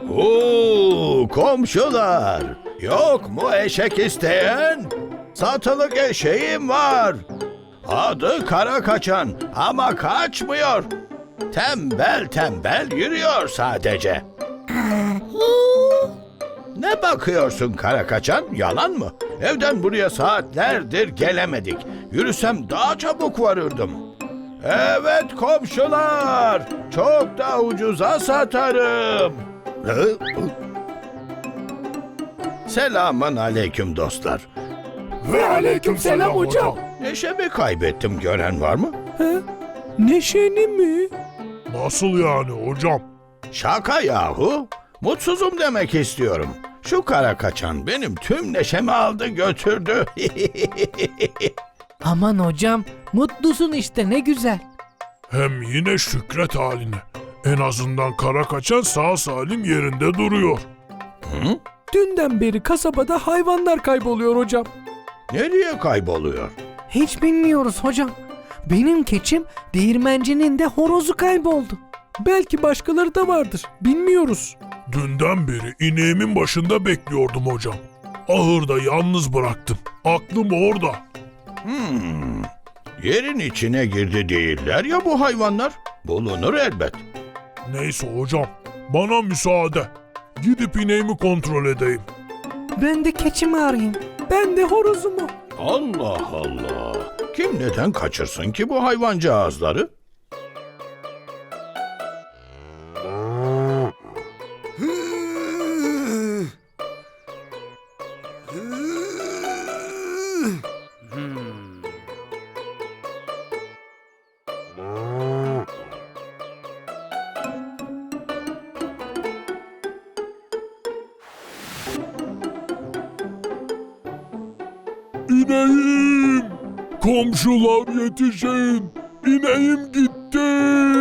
Komşular, yok mu eşek isteyen? Satılık eşeğim var. Adı Kara Kaçan ama kaçmıyor. Tembel tembel yürüyor sadece. Ne bakıyorsun Kara Kaçan? Yalan mı? Evden buraya saatlerdir gelemedik. Yürüsem daha çabuk varırdım. Evet komşular, çok da ucuza satarım. Selamun aleyküm dostlar. Ve aleykümselam hocam. Neşemi kaybettim, gören var mı? Neşeni mi? Nasıl yani hocam? Şaka yahu. Mutsuzum demek istiyorum. Şu Kara Kaçan benim tüm neşemi aldı götürdü. Aman hocam, mutlusun işte, ne güzel. Hem yine şükret haline. En azından Kara Kaçan sağ salim yerinde duruyor. Hı? Dünden beri kasabada hayvanlar kayboluyor hocam. Nereye kayboluyor? Hiç bilmiyoruz hocam. Benim keçim, değirmencinin de horozu kayboldu. Belki başkaları da vardır. Bilmiyoruz. Dünden beri ineğimin başında bekliyordum hocam. Ahırda yalnız bıraktım. Aklım orada. Yerin içine girdi değiller ya bu hayvanlar. Bulunur elbet. Neyse hocam, bana müsaade. Gidip ineğimi kontrol edeyim. Ben de keçimi arayayım. Ben de horozumu. Allah Allah. Kim neden kaçırsın ki bu hayvancağızları? İneğim! Komşular yetişin! İneğim gitti!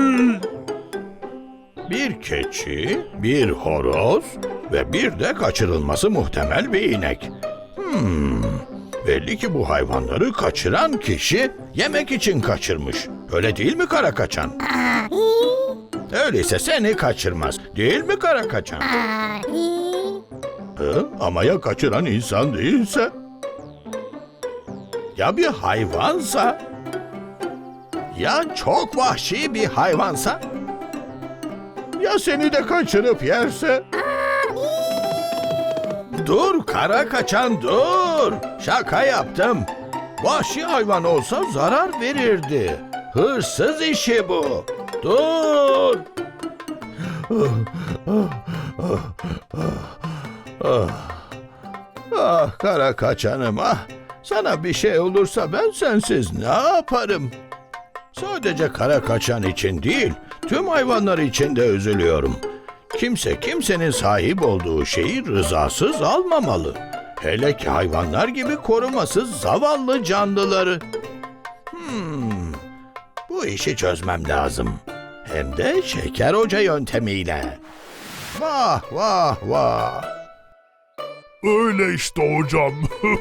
Bir keçi, bir horoz ve bir de kaçırılması muhtemel bir inek. Belli ki bu hayvanları kaçıran kişi yemek için kaçırmış. Öyle değil mi Kara Kaçan? Öyleyse seni kaçırmaz. Değil mi Kara Kaçan? Ama ya kaçıran insan değilse? Ya bir hayvansa? Ya çok vahşi bir hayvansa? Ya seni de kaçırıp yerse? Dur Kara Kaçan dur. Şaka yaptım. Vahşi hayvan olsa zarar verirdi. Hırsız işi bu. Dur. Ah Kara Kaçanım ah. Sana bir şey olursa ben sensiz ne yaparım? Sadece Kara Kaçan için değil, tüm hayvanlar için de üzülüyorum. Kimse kimsenin sahip olduğu şeyi rızasız almamalı. Hele ki hayvanlar gibi korumasız zavallı canlıları. Bu işi çözmem lazım. Hem de Şeker Hoca yöntemiyle. Vah vah vah. Öyle işte hocam.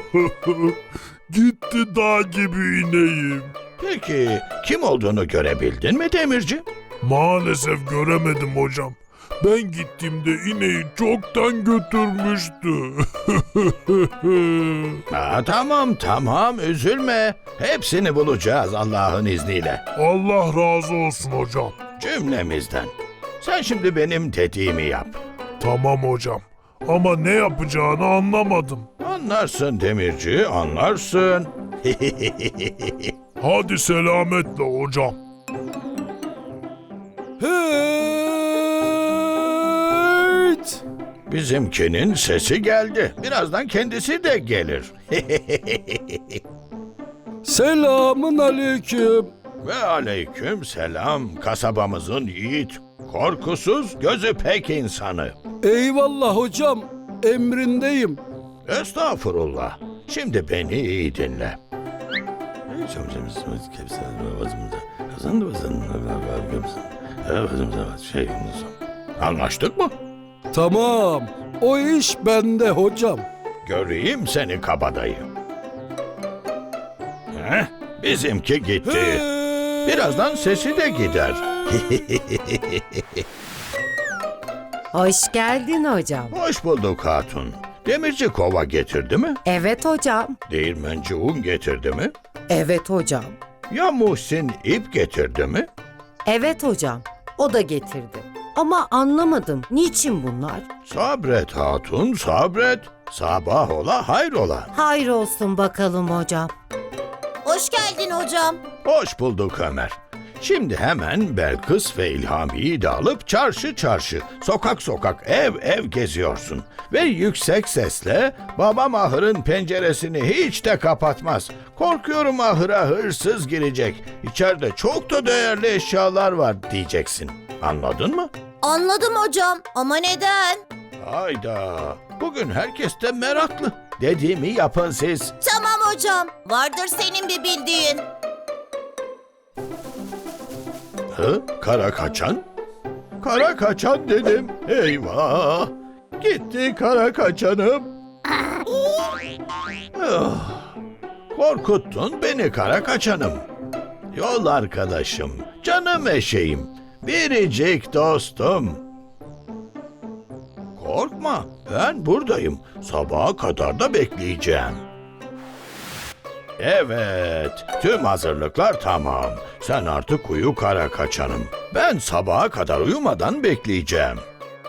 Gitti dağ gibi ineğim. Peki kim olduğunu görebildin mi Demirci? Maalesef göremedim hocam. Ben gittiğimde ineği çoktan götürmüştü. Tamam üzülme. Hepsini bulacağız Allah'ın izniyle. Allah razı olsun hocam. Cümlemizden. Sen şimdi benim dediğimi yap. Tamam hocam. Ama ne yapacağını anlamadım. Anlarsın Demirci, anlarsın. Hadi selametle hocam. Hırt! Bizimkinin sesi geldi. Birazdan kendisi de gelir. Selamun aleyküm. Ve aleyküm selam kasabamızın yiğit, korkusuz, gözü pek insanı. Eyvallah hocam. Emrindeyim. Estağfurullah. Şimdi beni iyi dinle. Anlaştık mı? Tamam. O iş bende hocam. Göreyim seni kabadayı. Bizimki gitti. Birazdan sesi de gider. Hoş geldin hocam. Hoş bulduk hatun. Demirci kova getirdi mi? Evet hocam. Değirmenci un getirdi mi? Evet hocam. Ya Muhsin ip getirdi mi? Evet hocam. O da getirdi. Ama anlamadım. Niçin bunlar? Sabret hatun, sabret. Sabah ola hayrola. Hayır olsun bakalım hocam. Hoş geldin hocam. Hoş bulduk Ömer. Şimdi hemen Belkıs ve İlhami'yi de alıp çarşı çarşı, sokak sokak, ev ev geziyorsun. Ve yüksek sesle babam ahırın penceresini hiç de kapatmaz. Korkuyorum ahıra hırsız girecek. İçeride çok da değerli eşyalar var diyeceksin. Anladın mı? Anladım hocam ama neden? Hayda. Bugün herkes de meraklı. Dediğimi yapın siz. Tamam hocam. Vardır senin bir bildiğin. Hı? Kara kaçan? Kara kaçan dedim. Eyvah! Gitti kara kaçanım. Ah, korkuttun beni kara kaçanım. Yol arkadaşım, canım eşeğim, biricik dostum. Korkma, ben buradayım. Sabaha kadar da bekleyeceğim. Evet, tüm hazırlıklar tamam. Sen artık uyu kara kaçanım. Ben sabaha kadar uyumadan bekleyeceğim.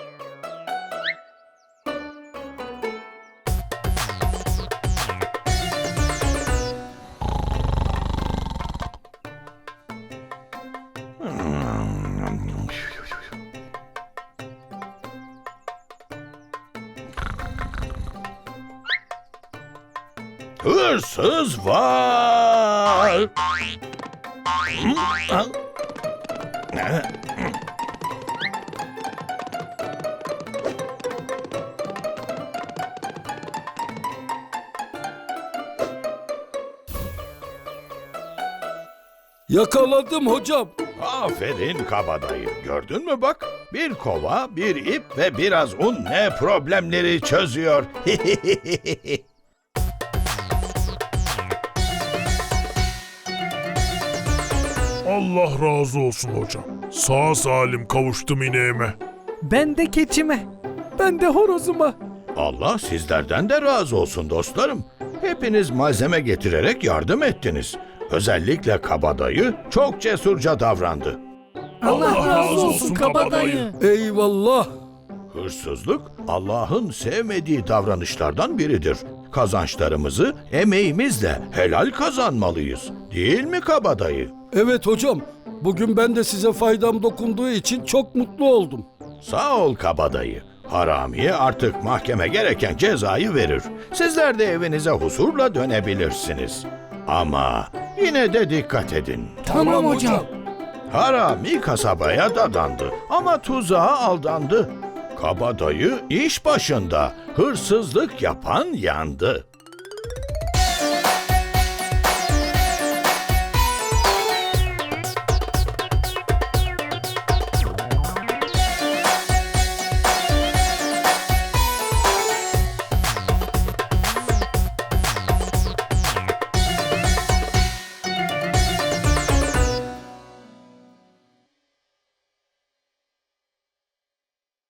Hırsız var. Yakaladım hocam. Aferin kabadayı. Gördün mü bak? Bir kova, bir ip ve biraz un ne problemleri çözüyor. Allah razı olsun hocam. Sağ salim kavuştum ineğime. Ben de keçime. Ben de horozuma. Allah sizlerden de razı olsun dostlarım. Hepiniz malzeme getirerek yardım ettiniz. Özellikle kabadayı çok cesurca davrandı. Allah razı olsun kabadayı. Eyvallah. Hırsızlık Allah'ın sevmediği davranışlardan biridir. Kazançlarımızı emeğimizle helal kazanmalıyız. Değil mi kabadayı? Evet hocam. Bugün ben de size faydam dokunduğu için çok mutlu oldum. Sağ ol kabadayı. Haramiye artık mahkeme gereken cezayı verir. Sizler de evinize huzurla dönebilirsiniz. Ama yine de dikkat edin. Tamam hocam. Harami kasabaya dadandı ama tuzağa aldandı. Kabadayı iş başında, hırsızlık yapan yandı.